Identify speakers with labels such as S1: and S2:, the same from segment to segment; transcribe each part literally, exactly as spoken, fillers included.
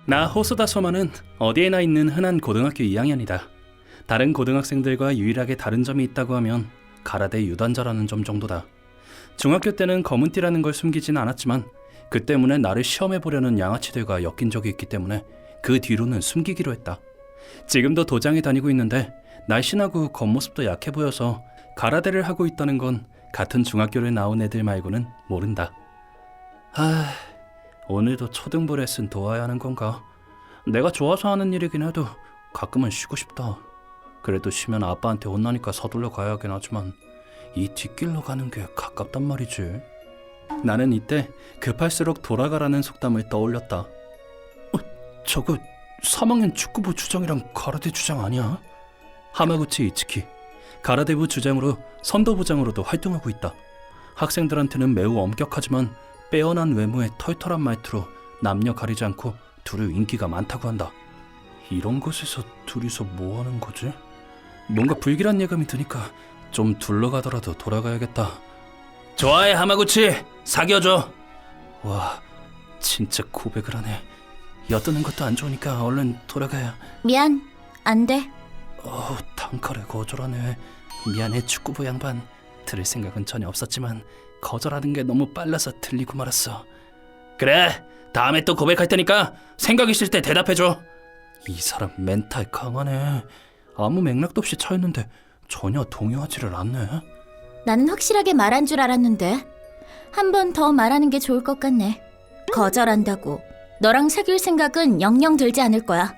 S1: 나 호소다 소마는 어디에나 있는 흔한 고등학교 이 학년이다. 다른 고등학생들과 유일하게 다른 점이 있다고 하면 가라데 유단자라는 점 정도다. 중학교 때는 검은띠라는 걸 숨기진 않았지만 그 때문에 나를 시험해보려는 양아치들과 엮인 적이 있기 때문에 그 뒤로는 숨기기로 했다. 지금도 도장에 다니고 있는데 날씬하고 겉모습도 약해 보여서 가라데를 하고 있다는 건 같은 중학교를 나온 애들 말고는 모른다. 아... 오늘도 초등부 레슨 도와야 하는 건가? 내가 좋아서 하는 일이긴 해도 가끔은 쉬고 싶다. 그래도 쉬면 아빠한테 혼나니까 서둘러 가야 하긴 하지만 이 뒷길로 가는 게 가깝단 말이지. 나는 이때 급할수록 돌아가라는 속담을 떠올렸다. 어, 저거 삼 학년 축구부 주장이랑 가라데 주장 아니야? 하마구치 이츠키, 가라데부 주장으로 선도부장으로도 활동하고 있다. 학생들한테는 매우 엄격하지만 빼어난 외모에 털털한 말투로 남녀 가리지 않고 둘이 인기가 많다고 한다. 이런 곳에서 둘이서 뭐 하는 거지? 뭔가 불길한 예감이 드니까 좀 둘러가더라도 돌아가야겠다. 좋아해 하마구치, 사귀어줘. 와, 진짜 고백을 하네. 엿드는 것도 안 좋으니까 얼른 돌아가야.
S2: 미안, 안 돼.
S1: 어, 단칼에 거절하네. 미안해 축구부 양반. 들을 생각은 전혀 없었지만 거절하는 게 너무 빨라서 들리고 말았어. 그래, 다음에 또 고백할 테니까 생각 있을 때 대답해줘. 이 사람 멘탈 강하네. 아무 맥락도 없이 차였는데 전혀 동요하지를 않네.
S2: 나는 확실하게 말한 줄 알았는데 한 번 더 말하는 게 좋을 것 같네. 거절한다고. 너랑 사귈 생각은 영영 들지 않을 거야.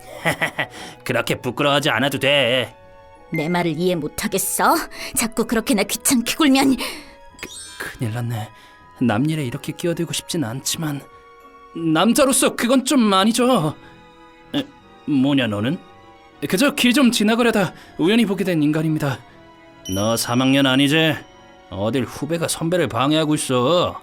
S1: 그렇게 부끄러워하지 않아도 돼.
S2: 내 말을 이해 못하겠어? 자꾸 그렇게나 귀찮게 굴면.
S1: 큰일 났네. 남 일에 이렇게 끼어들고 싶진 않지만 남자로서 그건 좀 아니죠. 에, 뭐냐 너는? 그저 길 좀 지나가려다 우연히 보게 된 인간입니다. 너 삼 학년 아니지? 어딜 후배가 선배를 방해하고 있어.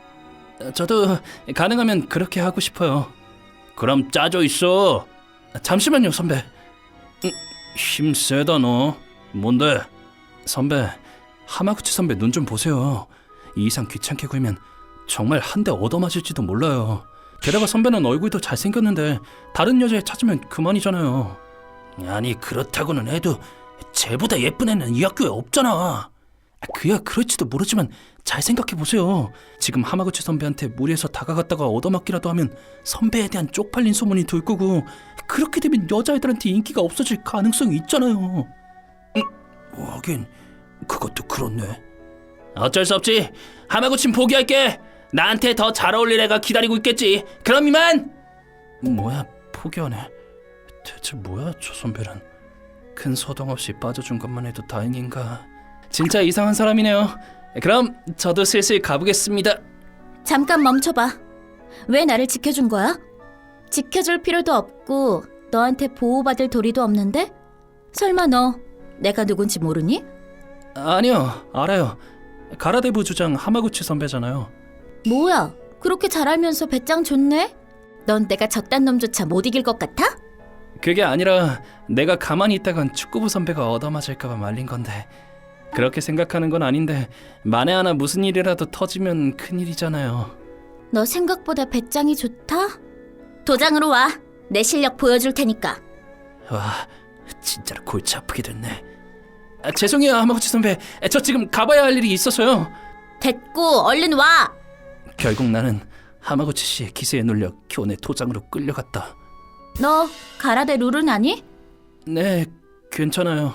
S1: 저도 가능하면 그렇게 하고 싶어요. 그럼 짜져 있어. 잠시만요 선배. 음, 힘 세다 너. 뭔데? 선배, 하마구치 선배 눈 좀 보세요. 이 이상 귀찮게 굴면 정말 한 대 얻어맞을지도 몰라요. 게다가 선배는 얼굴도 잘생겼는데 다른 여자애 찾으면 그만이잖아요. 아니 그렇다고는 해도 쟤보다 예쁜 애는 이 학교에 없잖아. 그야 그럴지도 모르지만 잘 생각해보세요. 지금 하마구치 선배한테 무리해서 다가갔다가 얻어맞기라도 하면 선배에 대한 쪽팔린 소문이 돌 거고 그렇게 되면 여자애들한테 인기가 없어질 가능성이 있잖아요. 음, 하긴 그것도 그렇네. 어쩔 수 없지. 하마구치는 포기할게. 나한테 더 잘 어울릴 애가 기다리고 있겠지. 그럼 이만. 뭐야 포기하네. 대체 뭐야 저 선배는. 큰 소동 없이 빠져준 것만 해도 다행인가. 진짜 이상한 사람이네요. 그럼 저도 슬슬 가보겠습니다.
S2: 잠깐 멈춰봐. 왜 나를 지켜준 거야? 지켜줄 필요도 없고 너한테 보호받을 도리도 없는데? 설마 너 내가 누군지 모르니?
S1: 아니요, 알아요. 가라데부 주장 하마구치 선배잖아요.
S2: 뭐야, 그렇게 잘 알면서 배짱 좋네? 넌 내가 저딴 놈조차 못 이길 것 같아?
S1: 그게 아니라 내가 가만히 있다간 축구부 선배가 얻어맞을까봐 말린 건데 그렇게 생각하는 건 아닌데 만에 하나 무슨 일이라도 터지면 큰일이잖아요.
S2: 너 생각보다 배짱이 좋다? 도장으로 와. 내 실력 보여줄 테니까.
S1: 와, 진짜로 골치 아프게 됐네. 아, 죄송해요 하마구치 선배. 저 지금 가봐야 할 일이 있어서요.
S2: 됐고 얼른 와.
S1: 결국 나는 하마구치 씨의 기세에 눌려 교내 도장으로 끌려갔다.
S2: 너 가라데 룰은 아니?
S1: 네, 괜찮아요.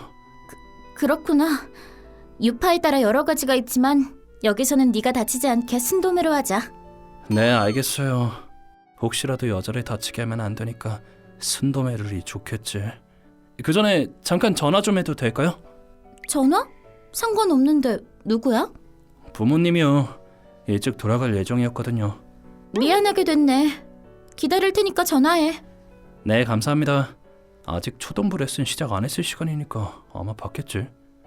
S2: 그렇구나. 유파에 따라 여러 가지가 있지만 여기서는 네가 다치지 않게 순도매로 하자.
S1: 네, 알겠어요. 혹시라도 여자를 다치게 하면 안 되니까 순도매 룰이 좋겠지. 그 전에 잠깐 전화 좀 해도 될까요?
S2: 전화? 상관없는데 누구야?
S1: 부모님이요. 일찍 돌아갈 예정이었거든요.
S2: 미안하게 됐네. 기다릴 테니까 전화해.
S1: 네, 감사합니다. 아직 초등부 레슨 시작 안 했을 시간이니까 아마 받겠지.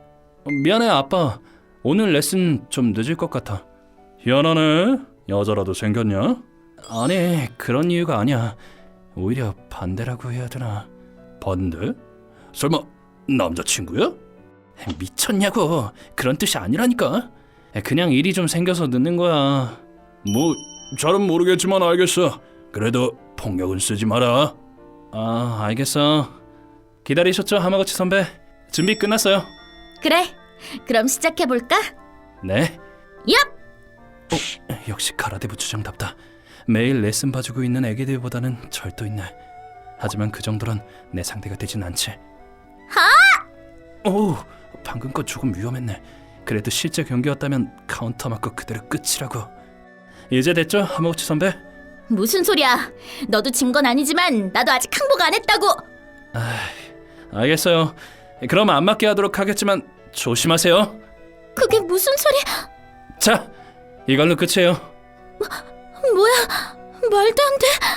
S1: 미안해 아빠. 오늘 레슨 좀 늦을 것 같아. 희한하네. 여자라도 생겼냐? 아니 그런 이유가 아니야. 오히려 반대라고 해야 되나. 반대? 설마 남자친구야? 미쳤냐고. 그런 뜻이 아니라니까. 그냥 일이 좀 생겨서 늦는 거야. 뭐 잘은 모르겠지만 알겠어. 그래도 폭력은 쓰지 마라. 아, 알겠어. 기다리셨죠, 하마구치 선배? 준비 끝났어요.
S2: 그래, 그럼 시작해볼까?
S1: 네.
S2: 얍!
S1: 어, 역시 가라데부 주장답다. 매일 레슨 봐주고 있는 애기들보다는 절도 있네. 하지만 그 정도는 내 상대가 되진 않지.
S2: 하!
S1: 오, 방금 건 조금 위험했네. 그래도 실제 경기였다면 카운터 맞고 그대로 끝이라고. 이제 됐죠, 하마구치 선배?
S2: 무슨 소리야? 너도 진 건 아니지만 나도 아직 항복 안 했다고.
S1: 아, 알겠어요. 그럼 안 맞게 하도록 하겠지만 조심하세요.
S2: 그게 무슨 소리?
S1: 자, 이걸로 끝이에요.
S2: 뭐야? 말도 안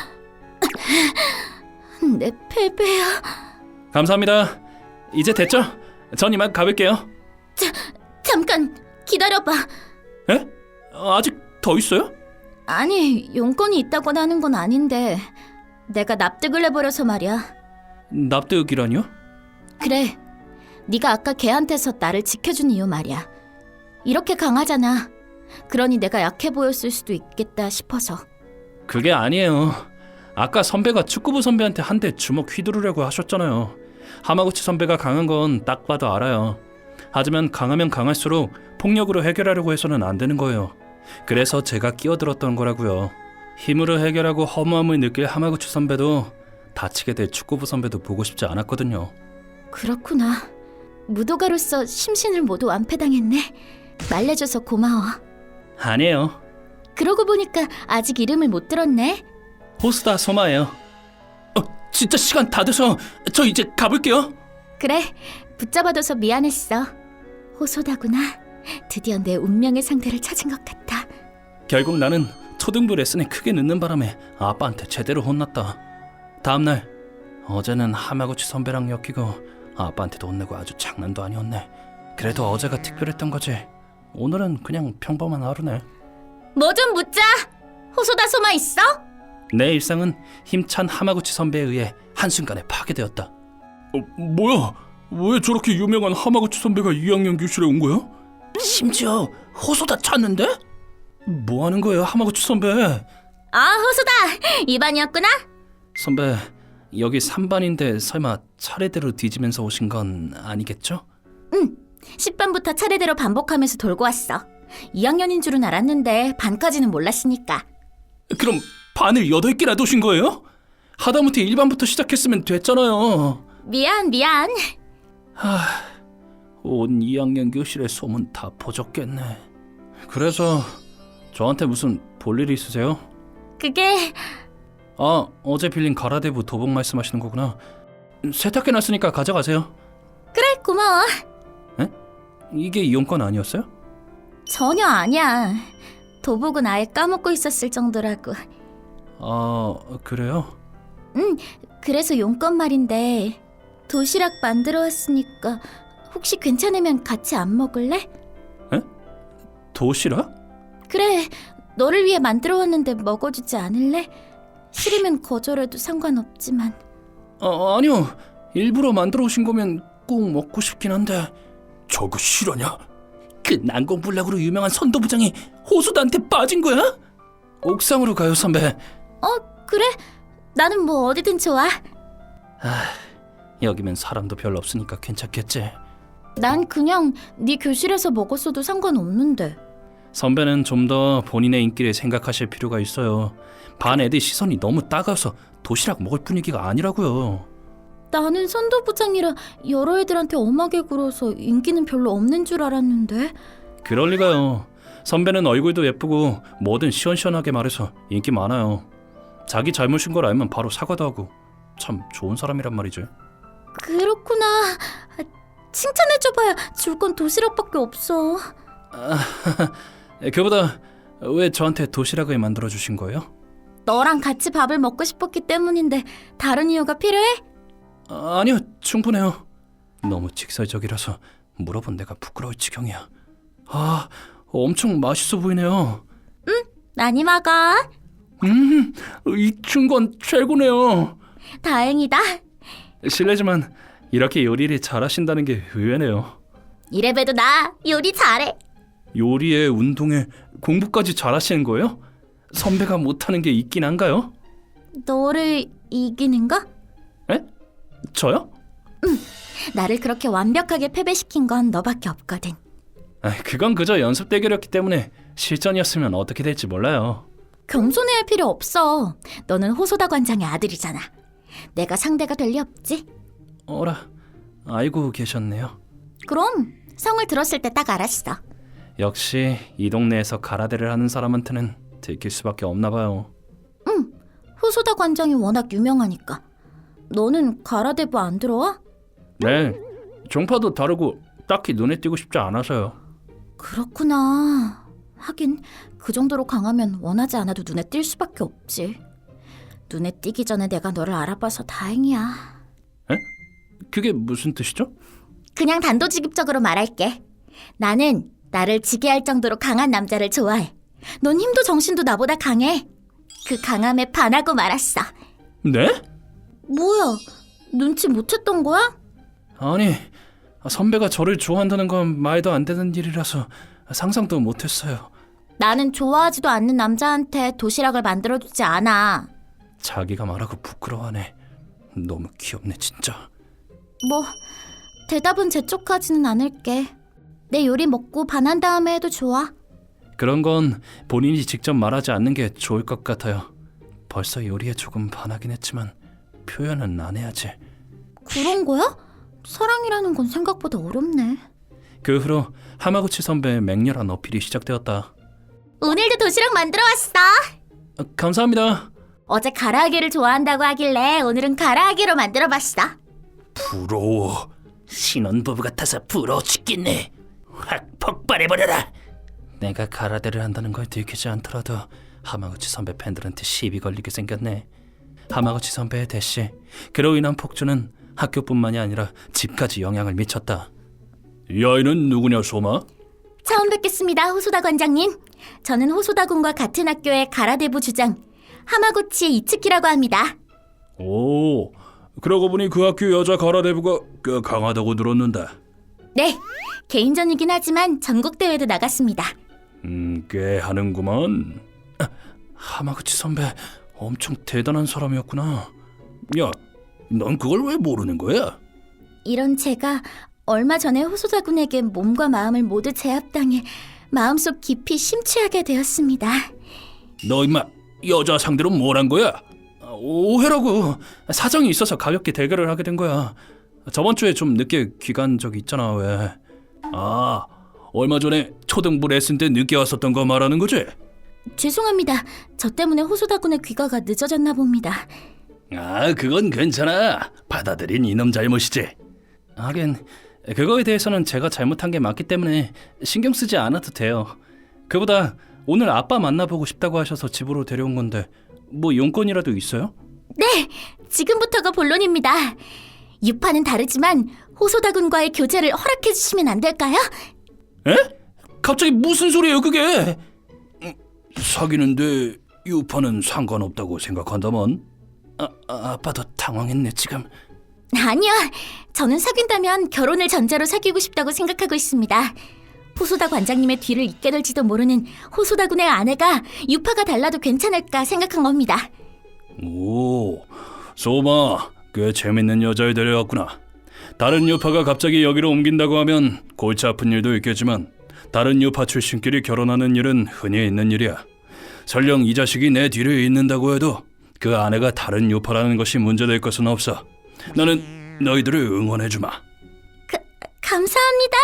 S2: 돼. 내 패배야.
S1: 감사합니다. 이제 됐죠? 전 이만 가볼게요.
S2: 자, 잠깐 기다려봐.
S1: 에? 아직 더 있어요?
S2: 아니, 용건이 있다고 하는 건 아닌데 내가 납득을 해버려서 말이야.
S1: 납득이라니요?
S2: 그래, 네가 아까 걔한테서 나를 지켜준 이유 말이야. 이렇게 강하잖아. 그러니 내가 약해 보였을 수도 있겠다 싶어서.
S1: 그게 아니에요. 아까 선배가 축구부 선배한테 한 대 주먹 휘두르려고 하셨잖아요. 하마구치 선배가 강한 건 딱 봐도 알아요. 하지만 강하면 강할수록 폭력으로 해결하려고 해서는 안 되는 거예요. 그래서 제가 끼어들었던 거라고요. 힘으로 해결하고 허무함을 느낄 하마구치 선배도 다치게 될 축구부 선배도 보고 싶지 않았거든요.
S2: 그렇구나. 무도가로서 심신을 모두 완패당했네. 말려줘서 고마워.
S1: 아니에요.
S2: 그러고 보니까 아직 이름을 못 들었네.
S1: 호스다 소마예요. 어, 진짜 시간 다 돼서 저 이제 가볼게요.
S2: 그래, 붙잡아둬서 미안했어. 호소다구나. 드디어 내 운명의 상대를 찾은 것 같아.
S1: 결국 나는 초등부 레슨에 크게 늦는 바람에 아빠한테 제대로 혼났다. 다음날 어제는 하마구치 선배랑 엮이고 아빠한테도 혼내고 아주 장난도 아니었네. 그래도 어제가 특별했던 거지. 오늘은 그냥 평범한 하루네.
S2: 뭐 좀 묻자. 호소다 소마 있어?
S1: 내 일상은 힘찬 하마구치 선배에 의해 한순간에 파괴되었다. 어, 뭐야? 왜 저렇게 유명한 하마구치 선배가 이 학년 교실에 온 거야? 심지어 호소다 찾는데? 뭐 하는 거예요, 하마구치 선배?
S2: 아, 호소다. 이 반이었구나.
S1: 선배, 여기 삼 반인데 설마 차례대로 뒤지면서 오신 건 아니겠죠?
S2: 응. 십 반부터 차례대로 반복하면서 돌고 왔어. 이 학년인 줄은 알았는데 반까지는 몰랐으니까.
S1: 그럼 반을 여덟 개나 도신 거예요? 하다못해 일 반부터 시작했으면 됐잖아요.
S2: 미안, 미안.
S1: 하, 온 이 학년 교실의 소문 다 퍼졌겠네. 그래서 저한테 무슨 볼일 있으세요?
S2: 그게...
S1: 아, 어제 빌린 가라데부 도복 말씀하시는 거구나. 세탁해 놨으니까 가져가세요.
S2: 그래, 고마워.
S1: 에? 이게 이용권 아니었어요?
S2: 전혀 아니야. 도복은 아예 까먹고 있었을 정도라고.
S1: 아, 그래요?
S2: 응, 그래서 용건 말인데 도시락 만들어 왔으니까 혹시 괜찮으면 같이 안 먹을래?
S1: 에? 도시락?
S2: 그래, 너를 위해 만들어 왔는데 먹어주지 않을래? 싫으면 거절해도 상관없지만.
S1: 아, 아니요. 일부러 만들어 오신 거면 꼭 먹고 싶긴 한데. 저거 실화냐? 그 난공불락으로 유명한 선도부장이 호수다한테 빠진 거야? 옥상으로 가요, 선배.
S2: 어, 그래? 나는 뭐 어디든 좋아.
S1: 아, 여기면 사람도 별로 없으니까 괜찮겠지.
S2: 난 그냥 네 교실에서 먹었어도 상관없는데.
S1: 선배는 좀 더 본인의 인기를 생각하실 필요가 있어요. 반 애들 시선이 너무 따가워서 도시락 먹을 분위기가 아니라고요.
S2: 나는 선도부장이라 여러 애들한테 엄하게 굴어서 인기는 별로 없는 줄 알았는데.
S1: 그럴 리가요. 선배는 얼굴도 예쁘고 뭐든 시원시원하게 말해서 인기 많아요. 자기 잘못인 걸 알면 바로 사과도 하고 참 좋은 사람이란 말이죠.
S2: 그렇구나. 칭찬해줘봐야 줄 건 도시락밖에 없어.
S1: 아, 그보다 왜 저한테 도시락을 만들어 주신 거예요?
S2: 너랑 같이 밥을 먹고 싶었기 때문인데 다른 이유가 필요해?
S1: 아, 아니요, 충분해요. 너무 직설적이라서 물어본 내가 부끄러울 지경이야. 아, 엄청 맛있어 보이네요.
S2: 많이 먹어.
S1: 음, 익힌 건 최고네요.
S2: 다행이다.
S1: 실례지만 이렇게 요리를 잘하신다는 게 의외네요.
S2: 이래봬도 나 요리 잘해.
S1: 요리에 운동에 공부까지 잘하시는 거예요? 선배가 못하는 게 있긴 한가요?
S2: 너를 이기는가?
S1: 에? 저요?
S2: 나를 그렇게 완벽하게 패배시킨 건 너밖에 없거든.
S1: 아, 그건 그저 연습 대결이었기 때문에 실전이었으면 어떻게 될지 몰라요.
S2: 겸손해할 필요 없어. 너는 호소다 관장의 아들이잖아. 내가 상대가 될 리 없지?
S1: 어라, 알고 계셨네요.
S2: 그럼 성을 들었을 때 딱 알았어.
S1: 역시 이 동네에서 가라데를 하는 사람한테는 들킬 수밖에 없나 봐요.
S2: 응, 호소다 관장이 워낙 유명하니까. 너는 가라데부 안 들어와?
S1: 네, 종파도 다르고 딱히 눈에 띄고 싶지 않아서요.
S2: 그렇구나. 하긴 그 정도로 강하면 원하지 않아도 눈에 띌 수밖에 없지. 눈에 띄기 전에 내가 너를 알아봐서 다행이야.
S1: 에? 그게 무슨 뜻이죠?
S2: 그냥 단도직입적으로 말할게. 나는 나를 지게 할 정도로 강한 남자를 좋아해. 넌 힘도 정신도 나보다 강해. 그 강함에 반하고 말았어.
S1: 네?
S2: 뭐야? 눈치 못 챘던 거야?
S1: 아니, 선배가 저를 좋아한다는 건 말도 안 되는 일이라서 상상도 못했어요.
S2: 나는 좋아하지도 않는 남자한테 도시락을 만들어주지 않아.
S1: 자기가 말하고 부끄러워하네. 너무 귀엽네 진짜.
S2: 뭐 대답은 재촉하지는 않을게. 내 요리 먹고 반한 다음에 해도 좋아.
S1: 그런 건 본인이 직접 말하지 않는 게 좋을 것 같아요. 벌써 요리에 조금 반하긴 했지만 표현은 안 해야지.
S2: 그런 거야? 사랑이라는 건 생각보다 어렵네.
S1: 그 후로 하마구치 선배의 맹렬한 어필이 시작되었다.
S2: 오늘도 도시락 만들어 왔어.
S1: 아, 감사합니다.
S2: 어제 가라아게를 좋아한다고 하길래 오늘은 가라아게로 만들어 봤어.
S1: 부러워. 신혼부부 같아서 부러워 죽겠네. 확 폭발해버려라. 내가 가라데를 한다는 걸 들키지 않더라도 하마구치 선배 팬들한테 시비 걸리게 생겼네. 하마구치 선배의 대시, 그로 인한 폭주는 학교뿐만이 아니라 집까지 영향을 미쳤다. 이 아이는 누구냐, 소마?
S2: 처음 뵙겠습니다, 호소다 관장님. 저는 호소다 군과 같은 학교의 가라데부 주장 하마구치 이츠키라고 합니다.
S1: 오, 그러고 보니 그 학교 여자 가라데부가 꽤 강하다고 들었는데.
S2: 네, 개인전이긴 하지만 전국대회도 나갔습니다.
S1: 음, 꽤 하는구만. 아, 하마구치 선배 엄청 대단한 사람이었구나. 야, 넌 그걸 왜 모르는 거야?
S2: 이런 제가 얼마 전에 호소다 군에게 몸과 마음을 모두 제압당해 마음속 깊이 심취하게 되었습니다.
S1: 너 임마 여자 상대로 뭘 한 거야? 아, 오해라고. 사정이 있어서 가볍게 대결을 하게 된 거야. 저번 주에 좀 늦게 귀간 적이 있잖아. 왜? 아, 얼마 전에 초등부 레슨 때 늦게 왔었던 거 말하는 거지?
S2: 죄송합니다. 저 때문에 호소다 군의 귀가가 늦어졌나 봅니다.
S1: 아, 그건 괜찮아. 받아들인 이놈 잘못이지. 하긴 그거에 대해서는 제가 잘못한 게 맞기 때문에 신경 쓰지 않아도 돼요. 그보다 오늘 아빠 만나보고 싶다고 하셔서 집으로 데려온 건데 뭐 용건이라도 있어요?
S2: 네, 지금부터가 본론입니다. 유파는 다르지만 호소다 군과의 교제를 허락해 주시면 안 될까요?
S1: 에? 갑자기 무슨 소리예요 그게? 음, 사귀는데 유파는 상관없다고 생각한다만? 아, 아, 아빠도 당황했네 지금.
S2: 아니요, 저는 사귄다면 결혼을 전제로 사귀고 싶다고 생각하고 있습니다. 호소다 관장님의 뒤를 잇게 될지도 모르는 호소다 군의 아내가 유파가 달라도 괜찮을까 생각한 겁니다.
S1: 오, 소마 꽤 재밌는 여자를 데려왔구나. 다른 유파가 갑자기 여기로 옮긴다고 하면 골치 아픈 일도 있겠지만 다른 유파 출신끼리 결혼하는 일은 흔히 있는 일이야. 설령 이 자식이 내 뒤를 잇는다고 해도 그 아내가 다른 유파라는 것이 문제될 것은 없어. 나는 너희들을 응원해주마.
S2: 가, 감사합니다.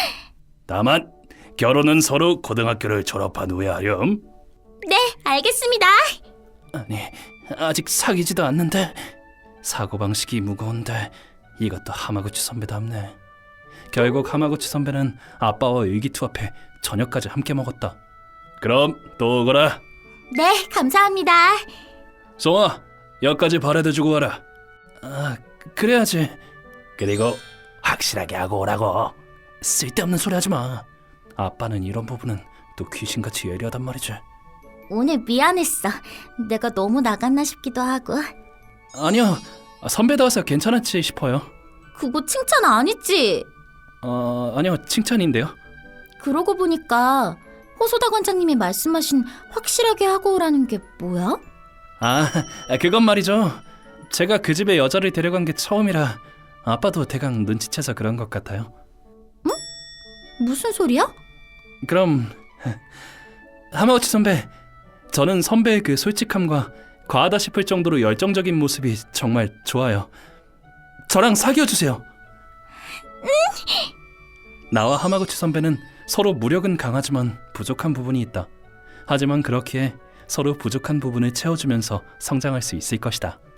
S1: 다만 결혼은 서로 고등학교를 졸업한 후에 하렴.
S2: 네, 알겠습니다.
S1: 아니, 아직 사귀지도 않는데. 사고방식이 무거운데 이것도 하마구치 선배답네. 결국 하마구치 선배는 아빠와 의기투합해 저녁까지 함께 먹었다. 그럼 또 오거라.
S2: 네, 감사합니다.
S1: 송아, 여기까지 바래다주고 와라. 아, 그래야지. 그리고 확실하게 하고 오라고. 쓸데없는 소리 하지 마. 아빠는 이런 부분은 또 귀신같이 예리하단 말이지.
S2: 오늘 미안했어. 내가 너무 나갔나 싶기도 하고.
S1: 아니요, 선배다워서 괜찮았지 싶어요.
S2: 그거 칭찬 아니지?
S1: 어, 아니요, 칭찬인데요.
S2: 그러고 보니까 호소다 관장님이 말씀하신 확실하게 하고 오라는 게 뭐야?
S1: 아, 그건 말이죠. 제가 그 집에 여자를 데려간 게 처음이라 아빠도 대강 눈치채서 그런 것 같아요.
S2: 무슨 소리야?
S1: 그럼 하마우치 선배, 저는 선배의 그 솔직함과 과하다 싶을 정도로 열정적인 모습이 정말 좋아요. 저랑 사귀어 주세요. 나와 하마구치 선배는 서로 무력은 강하지만 부족한 부분이 있다. 하지만 그렇기에 서로 부족한 부분을 채워주면서 성장할 수 있을 것이다.